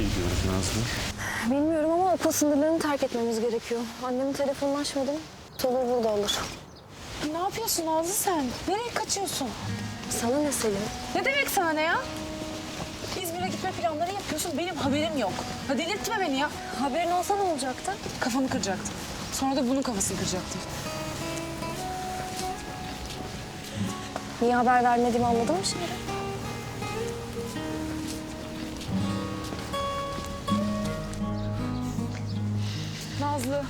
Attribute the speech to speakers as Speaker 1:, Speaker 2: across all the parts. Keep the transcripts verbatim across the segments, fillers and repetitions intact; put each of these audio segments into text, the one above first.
Speaker 1: gidiyoruz Nazlı?
Speaker 2: Bilmiyorum ama okul sınırlarını terk etmemiz gerekiyor. Annemin telefonunu açmadım. Tolga burada olur.
Speaker 3: Ne yapıyorsun Nazlı sen? Nereye kaçıyorsun?
Speaker 2: Sana ne Selin?
Speaker 3: Ne demek sana ne ya? İzmir'e gitme planları yapıyorsun, benim haberim yok. Ha delirtme beni ya.
Speaker 2: Haberin olsa ne olacaktı?
Speaker 3: Kafamı kıracaktım. Sonra da bunun kafasını kıracaktım.
Speaker 2: Niye haber vermediğimi anladın mı şimdi?
Speaker 3: Nazlı.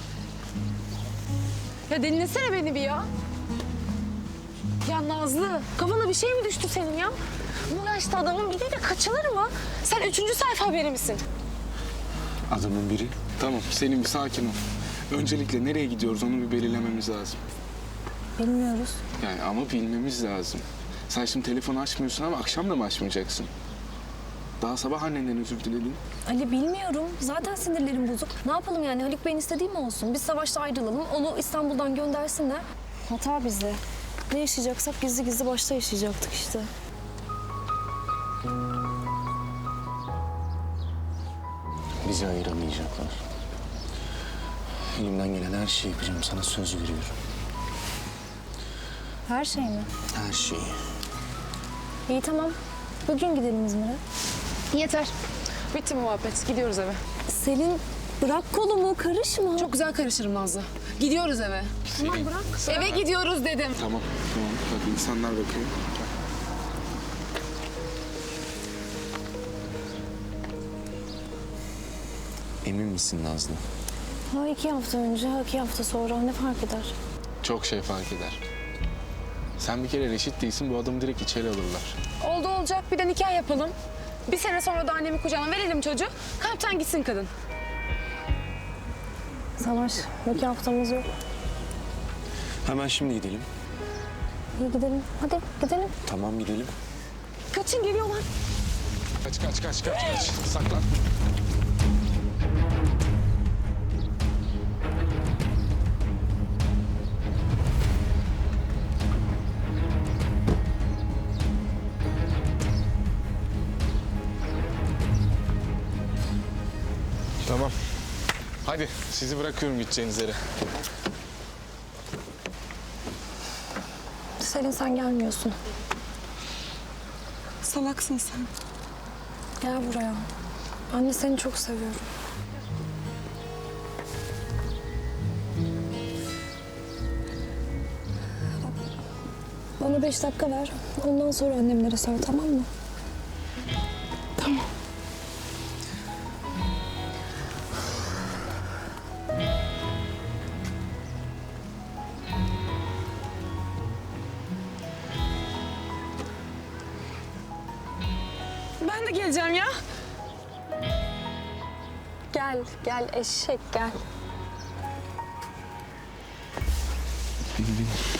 Speaker 3: Ya dinlesene beni bir ya. Ya Nazlı, kafana bir şey mi düştü senin ya? Bu yaşta adamın biriyle kaçılır mı? Sen üçüncü sayfa haberi misin?
Speaker 1: Adamın biri. Tamam Selim bir sakin ol. Öncelikle nereye gidiyoruz onu bir belirlememiz lazım.
Speaker 2: Bilmiyoruz.
Speaker 1: Yani ama bilmemiz lazım. Sen şimdi telefonu açmıyorsun ama akşam da mı açmayacaksın? Daha sabah annenden özür diledin.
Speaker 2: Ali bilmiyorum. Zaten sinirlerim bozuk. Ne yapalım yani? Haluk Bey'in istediği mi olsun? Biz savaşta ayrılalım. Onu İstanbul'dan göndersinler. Hata bizde. Ne yaşayacaksak gizli gizli başta yaşayacaktık işte.
Speaker 1: Bizi ayıramayacaklar. Elimden gelen her şeyi yapacağım. Sana söz veriyorum.
Speaker 2: Her şey mi?
Speaker 1: Her şeyi.
Speaker 2: İyi tamam. Bugün gidelim İzmir'e.
Speaker 3: Yeter. Bitti mi muhabbet? Gidiyoruz eve.
Speaker 2: Selin bırak kolumu, karışma.
Speaker 3: Çok güzel karışırım Nazlı. Gidiyoruz eve.
Speaker 1: Selin.
Speaker 3: Tamam bırak. Eve gidiyoruz dedim.
Speaker 1: Tamam tamam. Bak insanlar bakıyor. Emin misin Nazlı?
Speaker 2: Ha iki hafta önce, ha iki hafta sonra ne fark eder?
Speaker 1: Çok şey fark eder. Sen bir kere reşit değilsin, bu adamı direkt içeri alırlar.
Speaker 3: Oldu olacak. Bir de nikah yapalım. Bir sene sonra da annemi kucağına verelim çocuğu. Kalpten gitsin kadın.
Speaker 2: Savaş, iki haftamız yok.
Speaker 1: Hemen şimdi gidelim.
Speaker 2: İyi gidelim. Hadi gidelim.
Speaker 1: Tamam gidelim.
Speaker 3: Kaçın geliyorlar.
Speaker 1: Kaç kaç kaç kaç kaç. Saklan. Tamam. Hadi sizi bırakıyorum gideceğiniz yere.
Speaker 2: Selin sen gelmiyorsun.
Speaker 3: Salaksın sen.
Speaker 2: Gel buraya. Anne seni çok seviyorum. Bana beş dakika ver. Ondan sonra annemlere sor, tamam mı?
Speaker 3: Tamam. Ben de geleceğim ya.
Speaker 2: Gel, gel eşek gel.
Speaker 1: Bin bin.